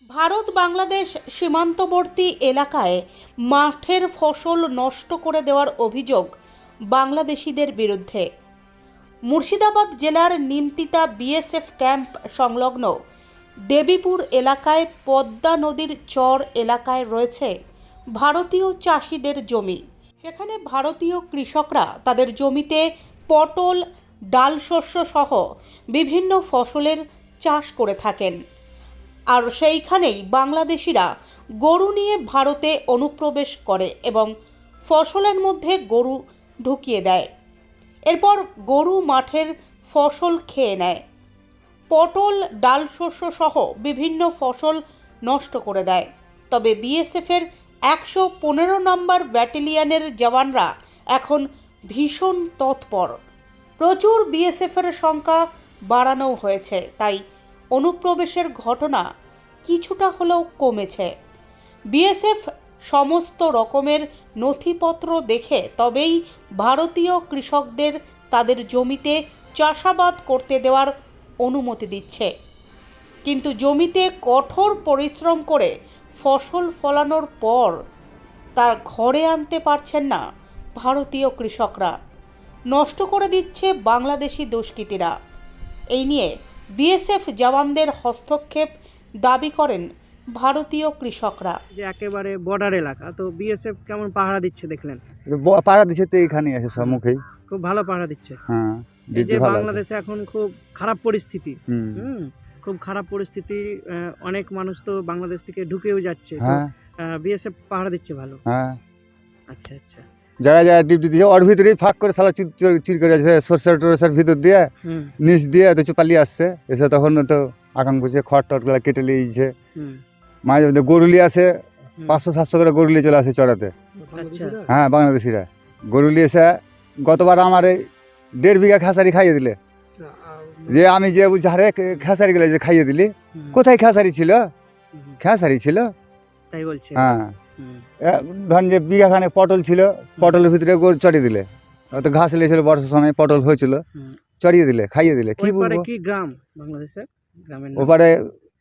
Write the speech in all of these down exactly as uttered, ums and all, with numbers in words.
ভারত বাংলাদেশ সীমান্তবর্তী এলাকায় মাঠের ফসল নষ্ট করে দেওয়ার অভিযোগ বাংলাদেশিদের বিরুদ্ধে। মুর্শিদাবাদ জেলার নিমতিতা বিএসএফ ক্যাম্প সংলগ্ন দেবীপুর এলাকায় পদ্মা নদীর চর এলাকায় রয়েছে ভারতীয় চাষিদের জমি। সেখানে ভারতীয় কৃষকরা তাদের জমিতে পটল, ডাল শস্য সহ বিভিন্ন ফসলের চাষ করে থাকেন। আর সেইখানেই বাংলাদেশিরা গরু নিয়ে ভারতে অনুপ্রবেশ করে এবং ফসলের মধ্যে গরু ঢুকিয়ে দেয়। এরপর গরু মাঠের ফসল খেয়ে নেয়, পটল, ডাল শস্য সহ বিভিন্ন ফসল নষ্ট করে দেয়। তবে বিএসএফের একশো পনেরো নম্বর ব্যাটালিয়নের জওয়ানরা এখন ভীষণ তৎপর। প্রচুর বিএসএফের সংখ্যা বাড়ানো হয়েছে, তাই অনুপ্রবেশের ঘটনা কিছুটা হলেও কমেছে। বিএসএফ সমস্ত রকমের নথিপত্র দেখে তবেই ভারতীয় কৃষকদের তাদের জমিতে চাষাবাদ করতে দেওয়ার অনুমতি দিচ্ছে। কিন্তু জমিতে কঠোর পরিশ্রম করে ফসল ফলানোর পর তার ঘরে আনতে পারছেন না ভারতীয় কৃষকরা, নষ্ট করে দিচ্ছে বাংলাদেশি দুষ্কৃতীরা। এই নিয়ে বিএসএফ জওয়ানদের হস্তক্ষেপ দাবি করেন ভারতীয় কৃষকরা। যে একেবারে বর্ডার এলাকা, তো বিএসএফ কেমন পাহারা দিচ্ছে দেখলেন? পাহারা দিচ্ছে তো এইখানে আছে সম্মুখেই, খুব ভালো পাহারা দিচ্ছে। হ্যাঁ, এই যে বাংলাদেশে এখন খুব খারাপ পরিস্থিতি, হুম খুব খারাপ পরিস্থিতি, অনেক মানুষ তো বাংলাদেশ থেকে ঢুকেও যাচ্ছে, বিএসএফ পাহারা দিচ্ছে ভালো। হ্যাঁ, আচ্ছা আচ্ছা। যারা যারা ডিউটি দিচ্ছে ওর ভিতরেই ফাঁক করে সালা চুরি করে আছে, সরষের টরষের ভিতর দিয়ে নিচ দিয়ে তো পালিয়ে আসছে। এসে তখন তো আকাম বুঝে খড় টটগুলা কেটে নিয়েছে। মাঝে মধ্যে গরুলি আসে, পাঁচশো সাতশো করে গরুলি চলে আসে চড়াতে। হ্যাঁ, বাংলাদেশিরা গরুলি এসে গতবার আমার এই দেড় বিঘা খেসারি খাইয়ে দিলে। যে আমি যে বুঝছি হারে খেসারি গেলে যে খাইয়ে দিলি, কোথায় খেসারি ছিল? খেসারি ছিল তাই বলছে। হ্যাঁ, ধরেন যে বিঘাখানে পটল ছিল, পটলের ভিতরে গরু চড়িয়ে দিলে। অত ঘাস লেগেছিল বর্ষার সময়, পটল হয়েছিল, চড়িয়ে দিলে, খাইয়ে দিলে। কি বলবো, কি গ্রাম বাংলাদেশের গ্রামের ওপারে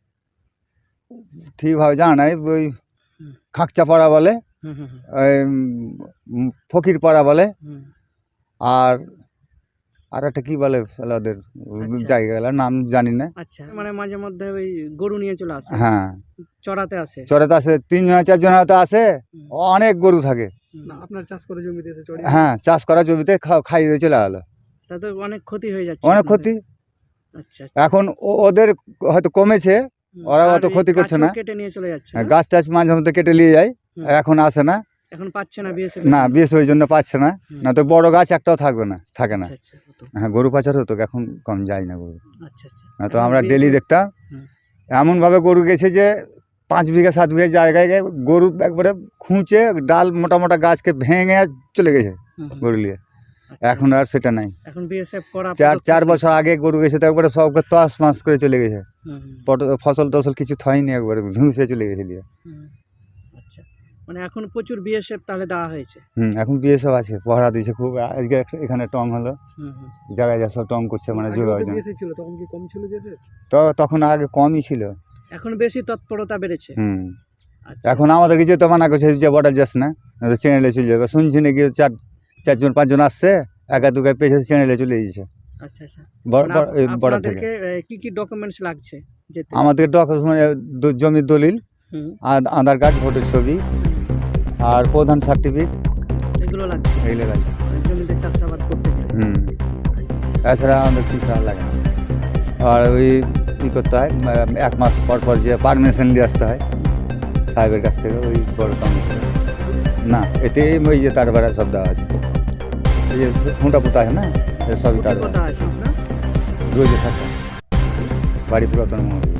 ঠিকভাবে জানা নাই, ওই খাকচা পাড়া বলে, ওই ফকির পাড়া বলে, আর আর একটা কি বলে ওদের জায়গাগুলোর নাম জানি না। আচ্ছা, মানে মাঝে মধ্যে ওই গরু নিয়ে চলে আসে। হ্যাঁ, চড়াতে আসে। চড়াতে আসে, তিনজন চারজন হয়তো আসে, অনেক গরু থাকে। আপনার চাষ করা জমিতে এসে চড়িয়ে? হ্যাঁ, চাষ করা জমিতে খাইয়ে দিয়ে চলে গেলো। তাতে অনেক ক্ষতি হয়ে যাচ্ছে। অনেক ক্ষতি। আচ্ছা, এখন ওদের হয়তো কমেছে, ওরা অত ক্ষতি করছে না, কেটে নিয়ে চলে যাচ্ছে। গাছ টাছ মাঝে মধ্যে কেটে নিয়ে যায়, এখন আসে না। এখন পাচ্ছে না বিএসএফ? না, বিএসএফ ওই জন্য পাচ্ছে না, না তো বড় গাছ একটাও থাকবে না, থাকে না। হ্যাঁ, গরু পাচার হতো, এখন কম যায় না গরু। আচ্ছা আচ্ছা। না তো আমরা ডেলি দেখতাম এমনভাবে গরু গেছে যে পাঁচ বিঘা সাত বিঘা জায়গায় গরু একবারে খুঁচে ডাল মোটা মোটা গাছকে ভেঙে চলে গেছে গরু নিয়ে। এখন আর সেটা নাই। এখন বিএসএফ করা চার চার বছর আগে গরু গেছে তো একবারে সবকে তস মাস করে চলে গেছে, ফসল টসল কিছু থয়নি, একবারে ভুঁসে চলে গেছে দিয়ে। আচ্ছা, মানে এখন প্রচুর বিএসএফ তাহলে দেওয়া হয়েছে? হুম, এখন বিএসএফ আছে, পহরা দিয়েছে খুব। আজকে এখানে টং হলো, জায়গায় যা সব টং করছে, মানে জোর হয়। তখন কি কম ছিল বিএসএফ? তো তখন আগে কমই ছিল, এখন বেশি তৎপরতা বেড়েছে। হুম, এখন আমাদেরকে যেতে মানা করছে যে বর্ডার যাস না, চ্যানেলে চলে যাবে। শুনছি নাকি চার চারজন পাঁচজন আসছে, একা দুগায় পেয়েছে, চ্যানেলে চলে গেছে। আচ্ছা আচ্ছা। বর্ডার থেকে কি কি ডকুমেন্টস লাগছে? আমাদের ডকুমেন্ট জমির দলিল, আধার কার্ড, ভোটের ছবি আর প্রধান সার্টিফিকেট, এগুলো লাগছে। এগুলো লাগছে জমিতে চাষাবাদ করতে গেলে। হুম, এছাড়া আমাদের কিছু আর লাগে না। আর ওই কী করতে হয়, এক মাস পর পর যে পারমিশন নিয়ে আসতে হয় সাহেবের কাছ থেকে, ওই বড় কাম না। এতে ওই যে তার বেড়া সব দেওয়া আছে, এই যে খুঁটা পুঁতা আছে না, সবই তার বেড়া আছে। আপনার রোজে থাকে বাড়ি পুরাতন মন্দির।